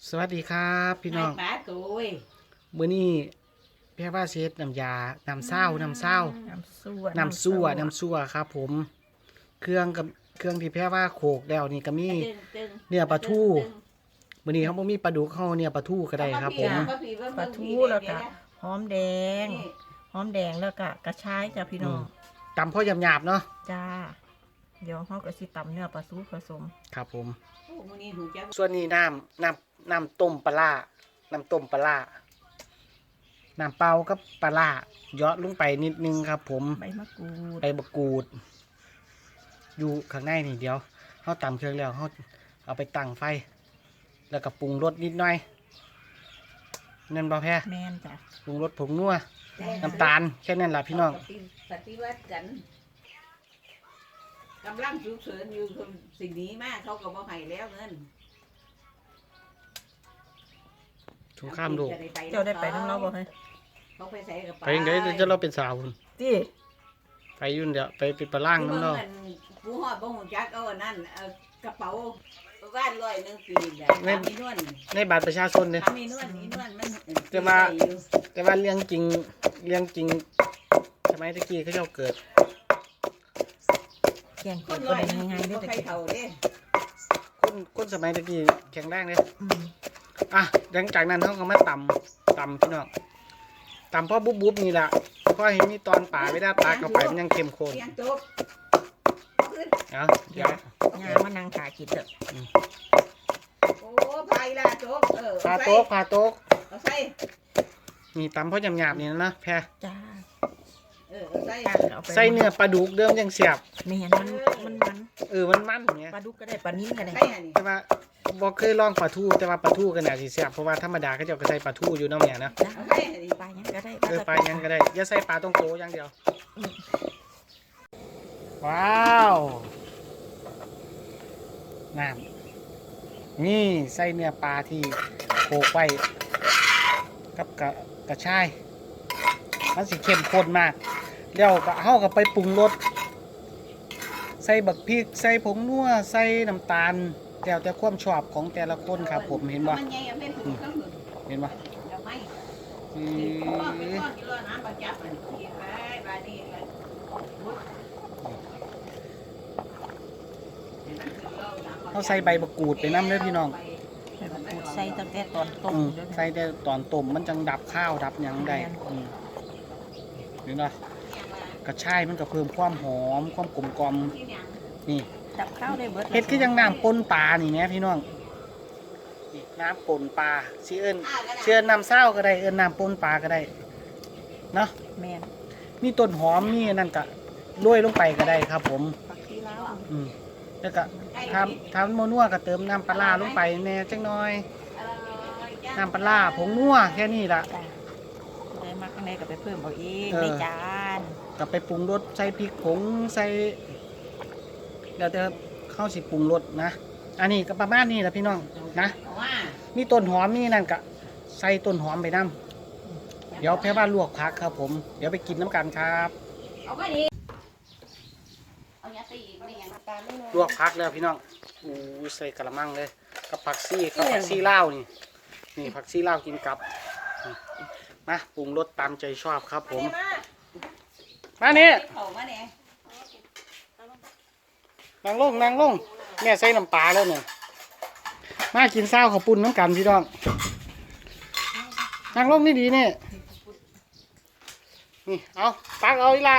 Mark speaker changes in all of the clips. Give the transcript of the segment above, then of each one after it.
Speaker 1: สวัสดีครับพี่น้อง
Speaker 2: ป้าตุย
Speaker 1: มื้อนี้แพ่ว่าเช็ดน้ำยาน้ำเศร้า
Speaker 3: น้ำซั่วครับผมเครื่องกับเครื่องที่แพ่ว่าโขกแล้วนี่ก็มีเนื้อปลาทูมื้อนี้เขาบ่มีปลาดุกเขาเนี่ยปลาทูก็ได้ครับผม
Speaker 2: ปลาทูแล้วก็หอมแดงแล้วก็กระชายจ้ะพี่น้อง
Speaker 1: ตำพ่อหยาบๆเนาะ
Speaker 2: จ้าเดี๋ยวเขาก็สิตำเนื้อปลาทูผสม
Speaker 1: ครับผมส่วนนี้น้ำต้มปลาน้ำต้มปลาน้ำเปล่ากับปลาเยาะลงไปนิดนึงครับผม
Speaker 2: ใบมะ
Speaker 1: กรูดอยู่ข้างในนี่เดี๋ยวเขาตำเครื่องแล้วเขาเอาไปตั้งไฟแล้วก็ปรุงรสนิดหน่อยนั่นบ่แพ้
Speaker 2: แม่นจ้ะ
Speaker 1: ปรุงรสผงนัวน้ำตาลแค่นั้นแหละพี่น้อง
Speaker 2: ปฏิวัติกันกำลังฉุกเฉินอยู่สิ่งนี้มากเขาก็บ่ให้แล้วเงิน
Speaker 1: สงครามโลก
Speaker 2: เจ้าได้ไปทั้งเราบ่ให้เขาไปใส่กับ
Speaker 1: ไปยังไงจะเราเป็นสาว
Speaker 2: ที่
Speaker 1: ไปยุ่นเดี๋ยวไปเป็นปลาล่างน้ำเนาะ
Speaker 2: ผู้หอดบ่หูจักเอาอันนั้นกระเป๋าบ้าน100ปีมีนวล
Speaker 1: ในบัตรประชาชนเนี่ย
Speaker 2: มีนวลมัน
Speaker 1: แต่ว่าเรื่องจริงสมัยตะกี้เขาเจ้าเกิด
Speaker 2: แข่งคนได้ง่ายๆด้วยตะกี้
Speaker 1: คนสมัยตะกี้แข็งแรงเลยหลังจากนั้นเขาก็มาตำพี่น้องตำเพราะบุ๊บนี่แหละเพราะเห็นมีตอนป่าไม่ได้ปลาเข้าไปมันยังเค็มข้นเดี๋ยว
Speaker 2: งานมันนางขากินเถอะโอ้พายละโจ๊ก
Speaker 1: พาโต๊ะนี่ตำเพราะหยาบๆนี่นะแพร
Speaker 2: จ้า
Speaker 1: ใส่เนื้อปลาดุกเดิมยังเสียบ
Speaker 2: ไม่เห็นมันมัน
Speaker 1: เงี้ย
Speaker 2: ปลาดุกก็ได้ปลานิ่มก็ได้
Speaker 1: แต่ว่าบอกเคยลองปลาทูแต่ว่าปลาทูกันน่ะสิเสียบเพราะว่าธรรมดาเขาจะใส่ปลาทูอยู่น้ำเนี่ยนะ
Speaker 2: ปลายังก็ได้
Speaker 1: ปลายังก็ได้อย่าใส่ปลาต้องโตอย่างเดียวว้าวน้ำนี่ใส่เนื้อปลาที่โขลกไว้กับกระชายมันสิเข้มข้นมากแล้วก็เฮาก็ไปปรุงรสใส่บักพริกใส่ผงนัวใส่น้ำตาลแล้วแต่ความชอบของแต่ละคนครับผมเห็นบ่เห็นบ่เขาใส่ใบบักกูดไปน้ำเลยพี่น้อง
Speaker 2: ใส่ตั้งแต่ตอนต้ม
Speaker 1: ใส่แต่ตอนต้มมันจังดับข้าวดับยังได้เห็นบ่กระชายมันก็เพิ่มความหอมความกลมกล่อมนี่
Speaker 2: ดับข้าวได้เบิด
Speaker 1: เฮ็ดคือยังน้ำปนปลานี่แม่พี่น้องนี่น้ำปนปลาเชื่อน้ำเศร้าก็ได้น้ำปนปลาก็ได้เนาะ
Speaker 2: แม่น
Speaker 1: มีต้นหอมมีนั่นก็โรยลงไปก็ได้ครับผมแล้วก็ทำโมนัวก็เติมน้ำปลาลงไปแน่จังน้อยน้ำปลาผงนัวแค่นี้ล่ะ
Speaker 2: ได้มาข้างในก็ไปเพิ่มเอาเองในจาน
Speaker 1: ก็ไปปรุงรสใส่พริกผงใส่เดี๋ยวจะเข้าสิปรุงรสนะอันนี้ก็ประมาณนี้แหละพี่น้องนะมีต้นหอมมีนั่นก็ใส่ต้นหอมไปน้ำเดี๋ยวแพ่ว่าลวกผักครับผมเดี๋ยวไปกินน้ำกันครับลวกผักแล้วพี่น้องใส่กระมังเลยกับผักซี่ลาวนี่ผักซี่ลาวกินกับมาปรุงรสตามใจชอบครับผมมาเนี่ยนั่งลงแม่ใส่น้ำปลาแล้วเนี่ยมากินข้าวข้าวปุ้นน้ำกันพี่น้องนั่งลงนี่ดีเนี่ยนี่เอาตักเอาอีละ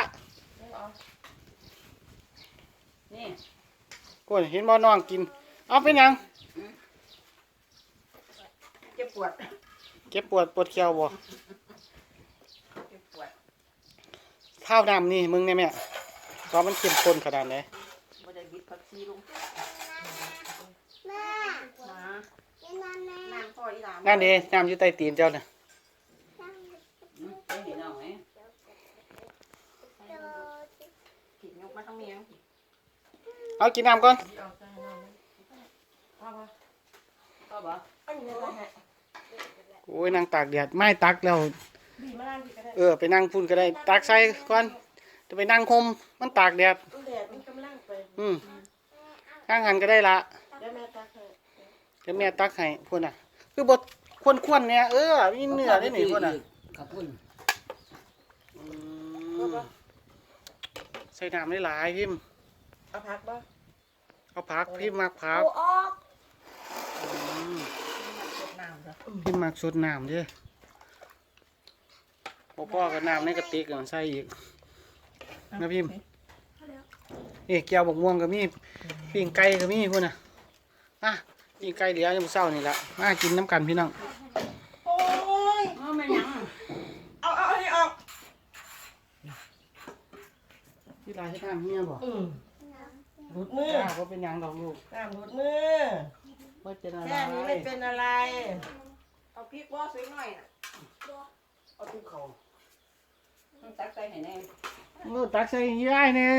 Speaker 1: นี่กูเห็นบ่น้องกินเอาเป็นยัง
Speaker 2: เจ็บปวด
Speaker 1: ปวดเขี้ยวบ่ข้าวดำนี่มึงเนี่ยแม่ตอนมันเข้มข้นขนาดไหนนั่นเองน้ำอยู่ใต้ตีนเจ้าเนี่ยเอากินน้ำก่อนโอ้ยนั่งตากแดดไม่ตักแล้วไปนั่งพุ่นก็ได้ตักใส่ก่อนจะไปนั่งคมมันตากแดดข้างหันก็ได้ละเดี๋ยวแม่ตักให้พุ่น
Speaker 3: คือบดควนๆเนี่ยมีเนื้อได้หนิคนน่ะ
Speaker 2: ขอบคุณ
Speaker 3: อืมใส่น้ำได้หลายพิมพ์
Speaker 4: เอาพักบ่
Speaker 3: เอาผักพิมพ์มักผัก
Speaker 4: เอาออก
Speaker 3: อืม
Speaker 4: กดน้ำจ้ะ
Speaker 3: พิมพ์มักสดน้ำเด้พ่อกับน้ำในกระติกใส่อีกนะพิมพ์แก้วบกม่วงก็มีปิ้งไก่ก็มีพุ่นน่ะปิ้งไก่เหลือยังเศร้านี่ละมากินน้ำกันพี่น้อง
Speaker 4: โอ้ย
Speaker 2: ไม่ยัง
Speaker 4: เอาอันนี้ออก
Speaker 3: ที่ร้านที่น้ำเมียบ่
Speaker 4: หลุดมือ
Speaker 3: จ้าว่าเป็นหยังดอกลูก
Speaker 4: น้ำหลุดมือ
Speaker 3: ว่าเป็นอะไร
Speaker 4: แค่นี้ไม่เป็นอะไร
Speaker 2: เอาพริกบ่สวยหน่อยน่ะ
Speaker 3: เอาทุกเขา
Speaker 2: ต้องตักใส่ให้แน่
Speaker 3: ตักใส่ย่ายเนี่ย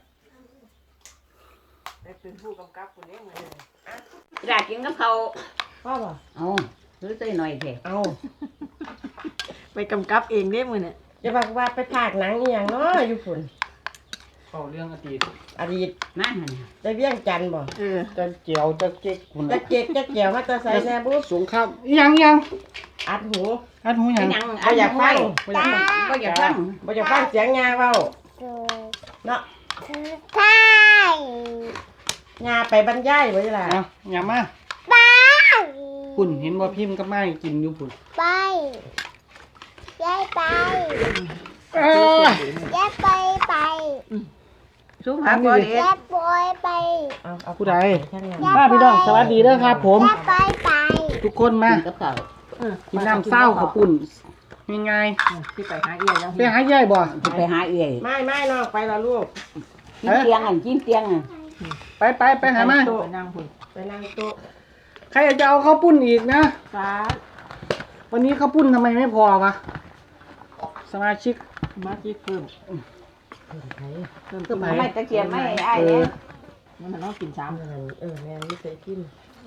Speaker 4: ได้เป็นผู้กำกับคนนี้เหมือนเดิม
Speaker 2: อยากกินกับเขา
Speaker 4: พ่อบ่
Speaker 2: เอาซื้อใส่หน่อยเถอะ
Speaker 4: เอาไปกำกับเองได้มือเนี่ยจะบอกว่าไปภาคหนังอหย่างเนาะอยู่ฝุ่น
Speaker 3: เขาเรื่องอดีต
Speaker 4: อดีต
Speaker 2: นั่นน่ะ
Speaker 4: ได้เวียงจันทน์บ่
Speaker 3: จะเจียวจะเก๊กคุณ
Speaker 4: จะเจ๊กจะแก้วมาแตะใส่แน่บุ๊บ
Speaker 3: สงครามยัง
Speaker 4: อัดหู
Speaker 3: อันหูยัง
Speaker 2: ยัง
Speaker 4: บ่อยากฟัง
Speaker 2: บ่อยากฟัง
Speaker 4: บ่จะฟังเสียงยาเว้าเนาะ
Speaker 5: ใช่
Speaker 4: ยาไปบรรยายบ่ล่ะ
Speaker 3: เอาอย่ามา
Speaker 5: ไป
Speaker 3: คุณเห็นว่าพิมพ์กับไม้กินอยู่คุณ
Speaker 5: ไปยายไป
Speaker 3: เอ้ย
Speaker 5: ยายไปไป
Speaker 2: สู้ผักบ่เด็ด
Speaker 5: ยายปอยไป
Speaker 4: เอา
Speaker 3: ผู้ใด
Speaker 4: ท่านงาน
Speaker 3: ป้าพี่น้องสวัสดีเด้อครับ ผม
Speaker 5: ยายไปไป
Speaker 3: ทุกคนมา
Speaker 2: กินกับเขา
Speaker 3: กินน้ำเศร้าขาวปุ่นยังไง
Speaker 4: ที่ไปหาเอียยัง
Speaker 3: ไปหาย่ายบ่
Speaker 2: สิไปหาเอื้อย
Speaker 4: ไม่น้องไปแล้วลูก
Speaker 2: กินเตียงกินเตียง
Speaker 3: ไปหามา
Speaker 4: โต๊ะนั่งพุ่นไปนั่งโต๊ะ
Speaker 3: ใครจะเอาข้าวปุ้นอีกนะ
Speaker 4: ฟ้า
Speaker 3: วันนี้ข้าวปุ้นทำไมไม่พอวะสมาชิก
Speaker 4: มาคิดเพิ่ม
Speaker 3: เพื่อไผ
Speaker 2: ไม่ตะเกียบไม่ไอ้
Speaker 3: เอ
Speaker 2: เนี่
Speaker 3: อย
Speaker 4: มันต้องกินซ้ำแม่ไม่เคยกิน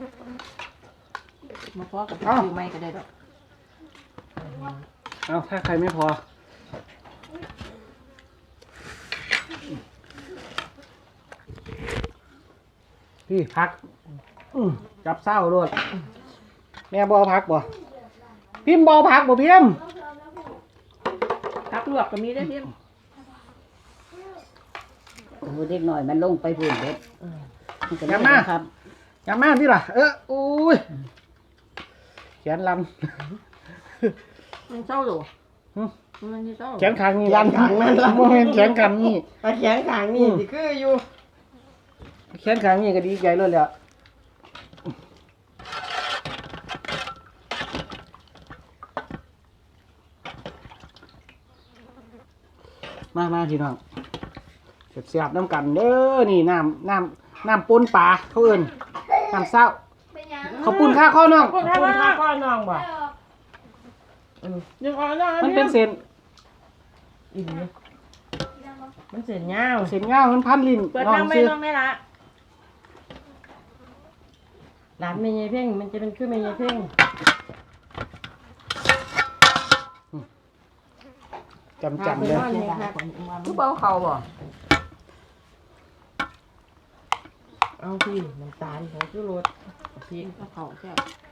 Speaker 2: มาพอกับซื้อไม่ก็ได้ดอก
Speaker 3: เอาถ้าใครไม่พอพี่พักจับเศร้าด้วยแม่บอพักบ่พิมพ์บอพักบ่พิมพ์
Speaker 4: ทักลวกก็มีได้เพียง
Speaker 2: โอ้เด็กหน่อยมันลงไปพุ่นเด็ดครับ
Speaker 3: อย่ามาที่ล่ะอุ้ยแขนลัน
Speaker 4: มันเศร้าหรอมันเศร้า
Speaker 3: แขนขางนี่ลันโมเมนแขนขางนี่
Speaker 4: ไปแขนขางนี่สิคืออยู่
Speaker 3: แขนขางนี่ก็ดีใจเลยแหละมาพี่น้องเสียบน้ำกันเด้อนี่น้ำปนปลาเขาเอิ้นน้ำเศร้าเขาปุ่นข้าข้อน้อง
Speaker 4: คุณถ้าก้อนน้องบ่ยังอ่อนน้อง
Speaker 3: มันเป็นเส้น
Speaker 4: อีกมันเส้นยาว
Speaker 3: เส้นเงามันพันลิ้น
Speaker 4: เปิด
Speaker 3: น้อ
Speaker 4: นั่
Speaker 3: ง
Speaker 4: งไม่
Speaker 3: ซื้อ
Speaker 4: น้องได้ละหลานเมย์เพ่งมันจะเป็นคือเมย์เพ่ง
Speaker 3: จำเลย
Speaker 2: ทุกเบาเขาบ่
Speaker 4: เอาพี่น้ำตาลของชูรสพริกกระเพราแค่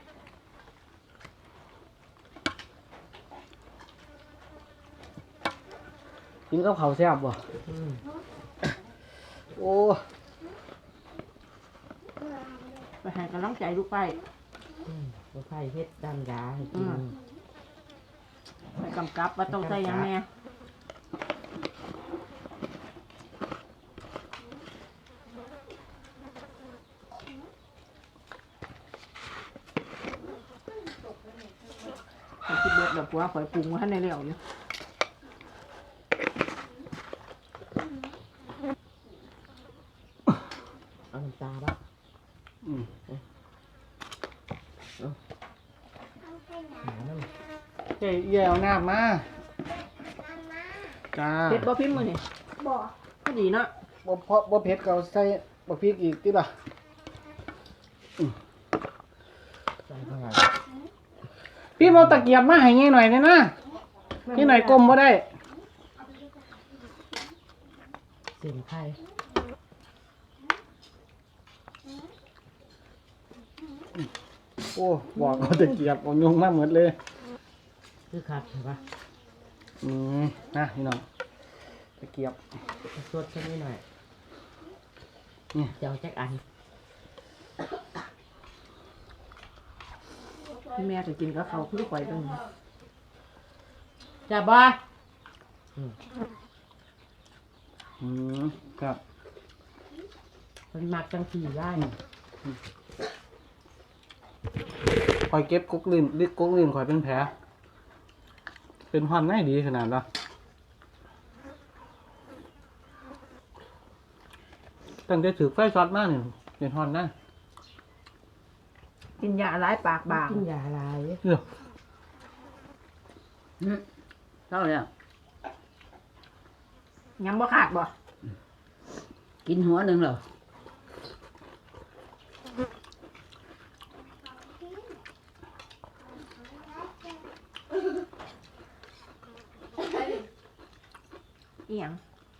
Speaker 3: กินกับข้าวแซ่บบ่โอ้
Speaker 4: ไปให้กำลังใจลูกไปลูกไปเฮ็ดดำยาให้กินไปกำกับว่าต้องใส่ยังแม่คิดเบิดแบบว่าข่อยปรุงมาให้ในเรื่องอยู่เอาน้ำตาบ้าง
Speaker 3: เจ๊เอี่ยวน้ำมาจ้า
Speaker 4: เผ็ดบ่พิมพ์มือนี่
Speaker 5: บอก
Speaker 4: พอดีเนาะ
Speaker 3: บ่เผ็ดก็ใส่บ่พริกอีกติล่ะพี่เอาตะเกียบมาให้งี้หน่อยได้นะนี่หน่อยกลมบ่ได้
Speaker 4: เสียงไทย
Speaker 3: โอ้บอกเขาตะเกียบเอายุงมาหมดเลย
Speaker 4: คือขาดใช่ปะ
Speaker 3: นะพี่น้องตะเกียบ
Speaker 4: สดแค่นี้หน่อย
Speaker 3: นี่
Speaker 4: เจ้าแจ็คอัน
Speaker 2: พี่แม่จะกินกับเขาคือข่อยเป็น
Speaker 4: จับบ่
Speaker 3: ครับ
Speaker 4: มันมักจังสีได้
Speaker 3: คอยเก็บกุ๊กลื่นลึกกุ๊กลื่นคอยเป็นแผลเป็นฮอนได้ดีขนาดละตั้งแต่ถือไฟช็อตมากเนี่ยเป็นฮอนนะ
Speaker 2: กินยาหลายปากบาง
Speaker 4: กินยาลาย
Speaker 3: เดี๋ยว
Speaker 2: เท่าแล้วยังบ่ขาดบ่กินหัวหนึ่งเหรออีหยัง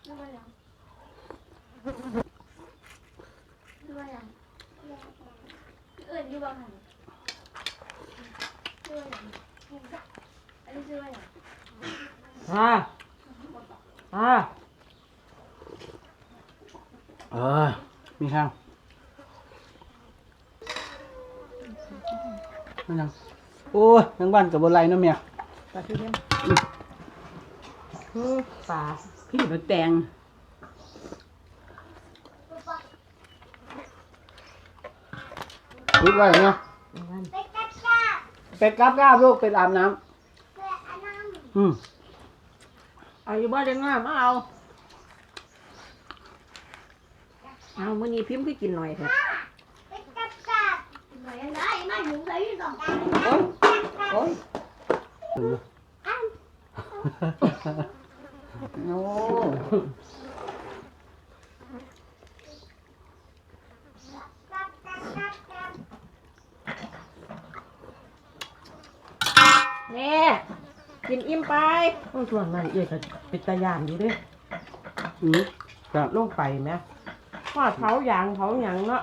Speaker 4: อ่า
Speaker 3: มีข้างนั่นยังโอ้ยยังบ้านกับบนไรเนาะเมีย
Speaker 2: ปลาทูเทียม
Speaker 4: ปลา
Speaker 2: พี่ไปแตง
Speaker 3: รุดไว้เนาะ
Speaker 4: นั่น
Speaker 3: เป็ดกราบลูกเป็ดอาบน้ำ
Speaker 2: เอาอยู่บ้านได้ง่ายมาเอามื้อนี้พิมพ์คือกินหน่อยเถอะโอ้ยโอ้
Speaker 4: นี่กินอิ่มไปต้องส่วนมันเอกก็เป็นตะยานอยู่เด้วย
Speaker 3: ครับ
Speaker 4: ลงไปไหมทอดเผาหยางเผาหยังเนาะ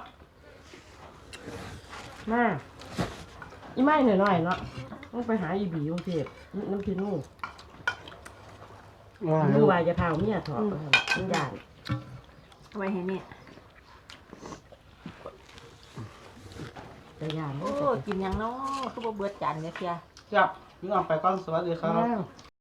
Speaker 4: มาอีไม่หน่อยๆเนาะต้องไปหาอีบีกรุงเทพน้ำพริกนู่นดูว่าจะเท่าเมียถอดมันหยาน
Speaker 2: เอาไว้ให้เนี่ย
Speaker 4: ตะยาน
Speaker 2: โอ้กินหยังเนาะคือบ่เบิดจานเนี่ยเสีย
Speaker 3: ครับพี่น้องไปก่อนสวัสดีครับ
Speaker 4: แล้ว